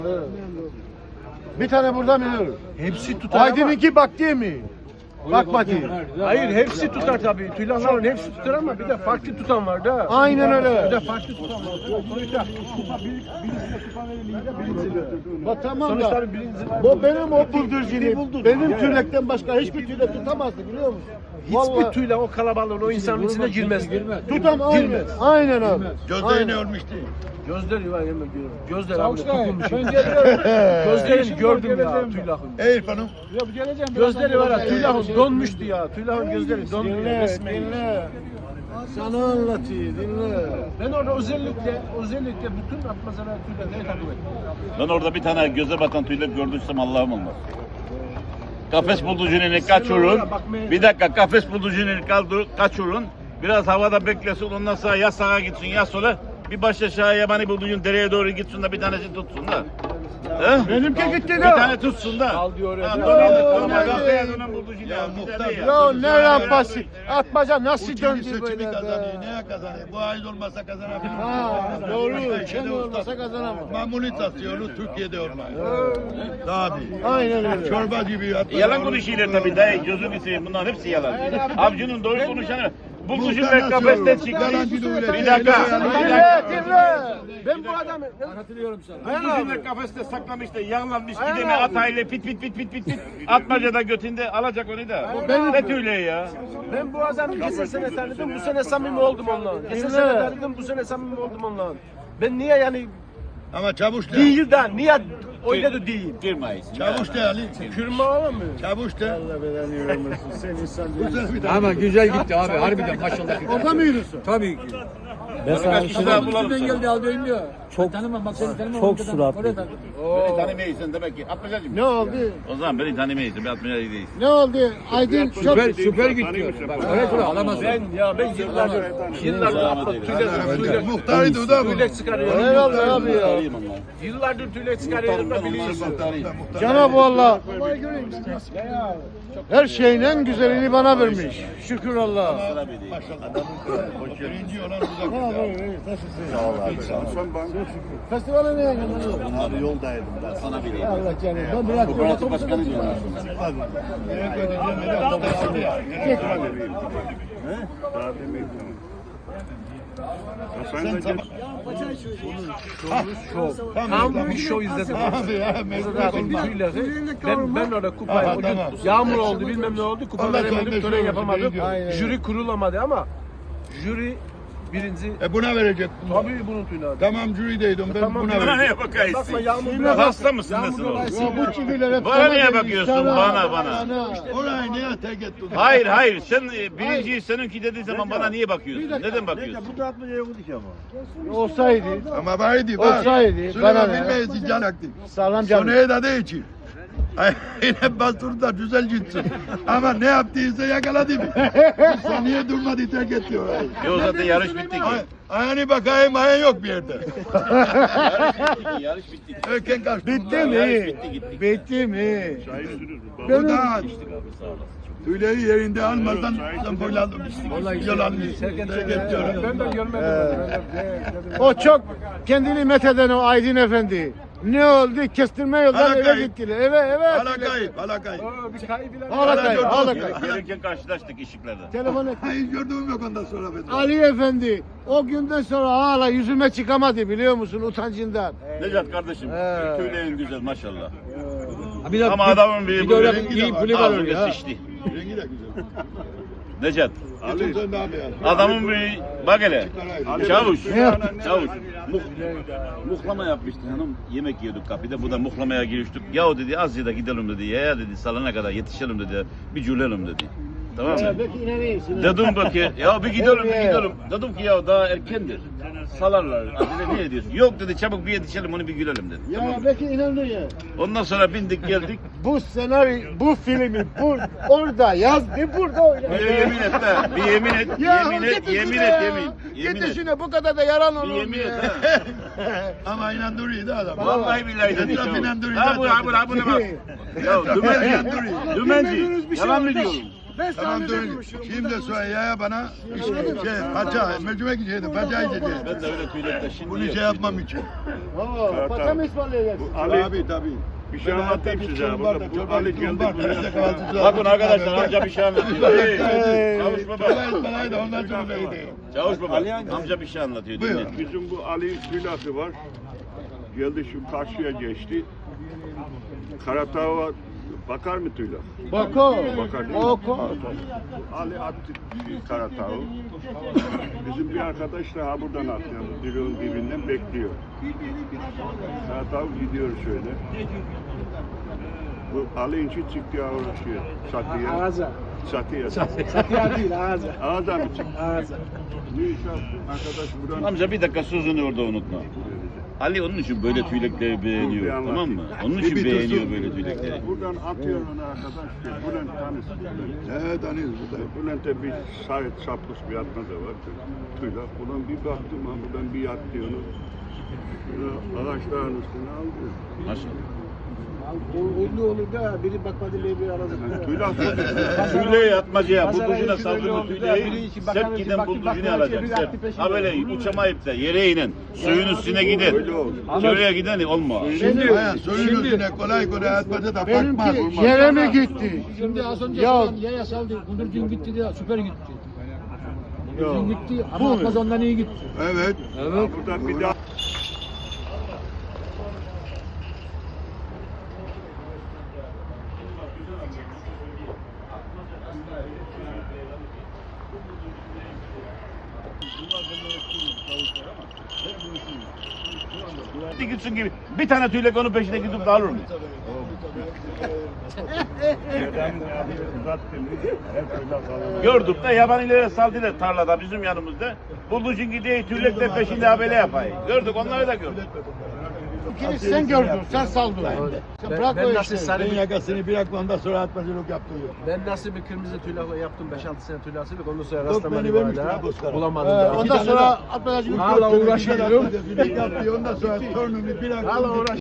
Bir tane burada mı? Hepsi tutar Aydın'ınki bak değil mi? Bak bakayım. Hayır hepsi tutar tabii. Tüylahların hepsi tutar ama bir de farklı tutan var da. Aynen öyle. Bir de farklı tutan var. Sonuçta kupa birincisine kupa verilince birinci. Bak tamam da. Sonuçta birinci var. Bu benim o buldurcunu. Benim tüylekten başka hiçbir tüylek tutamazdı biliyor musun? Hiçbir tüyle o kalabalığın o insanın içine girmez. Tutam aynen. Girmez. Aynen abi. Gözleri ne olmuş değil. Gözleri var hemen görüyorum. Gözler abi tutulmuş. Gözlerini gördüm ya tüylahın. Ey İrfan'ım. Gözleri var ya tüylahın donmuştu ya. Tüylahın gözleri dondu. Dinle, Resmen. dinle. Sana anlatayım, dinle. Ben orada özellikle bütün atmazalar tüylerine takip ettim. Ben orada bir tane göze batan tüylek gördüysem Allah'ım olmaz. Kafes bulucunu kaçırın. Bir dakika kafes bulucunu kaçırın. Biraz havada beklesin ondan sonra ya sağa gitsin ya sola. Bir baş aşağı yabani bulucun dereye doğru gitsin de bir tanesi tutsun da. He? Benimki gitti Bir de. tane tutsun da. Al diyor ya. Ya ne rampası. Atmaca nasıl Uçucu döndü seçimi böyle kazanıyor. be? Neye kazanıyor? Bu ay olmasa kazanabilir. Ha, doğru. Şeyde Kendi olmasa kazanamam. Mamuli tasıyorlu Türkiye'de olmaz. Daha değil. Aynen öyle. Çorba gibi. hatta Yalan konuşuyorlar tabii dayı gözünü seveyim bunların hepsi yalan. Avcının doğru konuşanı. Bulucun ve kafeste çıktı. Bir dakika. Dinle, dinle. Ben bu adamı Bulucun ve kafeste saklamış da yağlanmış gidemi atayla pit pit pit pit pit pit. Atmacada götünde alacak onu da. Ne tüyle ya. Ben bu adamı geçen sene tanıdım, bu sene samimi oldum onunla. Geçen sene tanıdım, bu sene samimi oldum onunla. Ben niye yani Ama çavuş de. değil de niye öyle de değil? Girmeyiz. Çavuş de Ali. Kürme olamıyor. Çavuş de. Sen insan Ama güzel gitti abi harbiden maşallah. Orada mı yürüsün? Tabii ki. Kaç kişi daha bulalım Nereden sana. geldi aldı bilmiyor. Çok tanımam bak seni tanımam. Çok suratlı. Beni tanımayısın demek ki. Atmacacım. Ne oldu? O zaman beni tanımayısın. Ben atmacacı değilsin. Ne oldu? Aydın çok... Süper gitti. Bak öyle şöyle alamaz. Ben yıllardır tüyle Muhtarıydı o da bu. tüyle çıkarıyorum. Eyvallah abi ya. Yıllardır tüyle çıkarıyorum da biliyorsun. Cenab-ı Allah her şeyin en güzelini bana vermiş. Şükür Allah. Birinci olan uzak. Festivale ne yapıyorsun? Bunları yoldaydım ben sana bileyim. Allah canım. Ben bıraktım. Kooperatif başkanı diyorlar. Tam bir show izledim. Abi ya. Ben orada kupayı o gün yağmur oldu bilmem ne oldu kupa veremedim tören yapamadım. Jüri kurulamadı ama jüri birinci Buna verecek. tabii bunun tüyleri. Tamam jürideydim ben Tamam, buna Bana verecek. neye bakaysın? Bakma yağmur biraz Hasta mısın nesin oğlum? Ya bu çiviler hep Bana sana niye geliyor, bakıyorsun? sana, Bana. Orayı niye tek ettin? Hayır hayır sen birinciyi seninki dediğin zaman bana niye bakıyorsun? Neden bakıyorsun? Olsaydı. Ama vardı var. Olsaydı, Süleyman bana ne? bilmeyiz canaktı. Sağlam canım. Sonraya da değil ki. Yine bastırdı da güzel gitsin. Ama ne yaptıysa yakaladı mı? Sen niye durmadı tek etti orayı? Yok zaten yarış bitti ki. Ayağını bakayım ayağın yok bir yerde. Yarış bitti ki. Erken kaçtı. Bitti bunlar. mi? Bitti mi? Bu da tüyleri yerinde almadan sen boyladın. Yalan tek ediyorum. Ben de görmedim. O çok kendini metheden o Aydın Efendi. Ne oldu? Kestirme yoldan eve Alakayı. gittiler. Eve. Hala kayıp, hala kayıp. Bir kaybılar. Alakay. Gelirken karşılaştık ışıklarda. Telefon et. Hayır gördüğüm yok ondan sonra ben. Ali Efendi o günden sonra hala yüzüme çıkamadı biliyor musun utancından. Necat kardeşim, tüylerin güzel maşallah. Bir de, Ama adamın bir de öyle bir kulüp var öyle ağzını ya. sıçtı. Rengi de güzel. Necat, Geçen sen daha beyaz. adamın bir bak hele. Çavuş, yaptı? çavuş. Muhlama yapmıştı hanım. Yemek yiyorduk kapıda. Bu da muhlamaya giriştik. Yahu dedi az ya da gidelim dedi. Ya dedi salana kadar yetişelim dedi. Bir cülelim dedi. Tamam mı? Belki inanıyorsun. Dedim ki ya bir gidelim bir gidelim. Dedim ki ya daha erkendir. Salarlar. Dedi ne diyorsun? Yok dedi çabuk bir yetişelim onu bir gülelim dedi. Tamam Ya mı? belki inandın ya. Ondan sonra bindik geldik. Bu senaryo, bu filmi orada yazdı, burada oynadı. Bir yemin et de. Bir yemin et. Yemin et. Yemin et. Yemin Git et. düşüne bu kadar da yalan Bir olur mu yemin et ya? ha. Ama inandırıyordu adam. Vallahi billahi dedi. Etraf inandırıyor Ha bu zaten. buna bak. Ya dümenci. Dümenci. Yalan mı diyorum? Ben Tamam sahnede dur. konuşuyorum. Şimdi söyle ya bana. Paça, mercimek içeydim. Paça içeceğim. Ben de öyle tüylekte şimdi Bunu şey yapmam için. Oo, paça mı ısmarlayacaksın? Tabii tabii. Bir şey anlatayım size. Burada bu Ali geldi buraya. Bakın arkadaşlar amca bir şey anlatıyor. Hey, Çavuş baba. Parayı da ondan sonra neydi? Çavuş baba. Amca bir şey anlatıyor. Buyur. Dinle. Bizim bu Ali Tüylası var. Geldi şu karşıya geçti. Karatağ'a bakar mı Tüyla? Bako. Bakar değil mi? Bako. Ali attı Karatağ'ı. Bizim bir arkadaş da ha buradan atıyor. Dibinin dibinden bekliyor. Karatağ gidiyor şöyle. Bu Ali inci çıktı ya uğraşıyor. Satıya. Ağza. Satıya. Satıya değil ağza. Ağza mı çıktı? Ağza. Ne iş yaptı? Arkadaş buradan Amca bir dakika sözünü orada unutma. Ali onun için böyle tüylekleri beğeniyor, tamam mı? Onun için beğeniyor böyle tüylekleri. buradan atıyor onu arkadaş. Bülent tanısı. Evet tanıyoruz burada. Bülent'e bir sahip sapmış bir atma da var. Tüyla. Ulan bir baktım ha buradan bir yattı onu. Ağaçların üstüne aldı. Maşallah. Ünlü olur da biri bakmadı bir aradı. Tüyla. Tüyleği atmacaya, Pazara bulducuna yetişen öyle saldırma oldu da tüyleği, biri iki bakan sert iki giden baktı, bulducunu bakan alacak. iki Sert. baktı peşinde. Ha böyle uçamayıp da yere inen, suyun üstüne giden, Öyle oldu. şuraya giden olma. Hayır, suyun üstüne kolay kolay atmaca da bakmaz. Benimki yere mi gitti? Şimdi az önce Ya- falan yaya saldı. Kundurcun gitti de süper gitti. Kundurcun gitti ama Atmaz ondan iyi gitti. Evet. Burada bir daha Gitsin gibi bir tane tüylek onun peşine gidip de alır mı? Gördük de yabanilere saldılar tarlada bizim yanımızda. Bulducun gidiyor tüylekler peşinde habele yapayım. Gördük onları da gördük. İkini sen gördün, sen saldın. Sen bırak Ben o nasıl işleri. sarı Ben bir, yakasını bırak ondan sonra atmacılık yaptı. ben nasıl bir kırmızı tüyla yaptım 5-6 sene tüylasılık ondan sonra Yok, rastlamadım beni vermiştin hala. ha Bozkır'a. Bulamadım da. Ondan sonra atmacacılık Hala uğraşıyorum. Ondan sonra torununu bir Hala uğraş.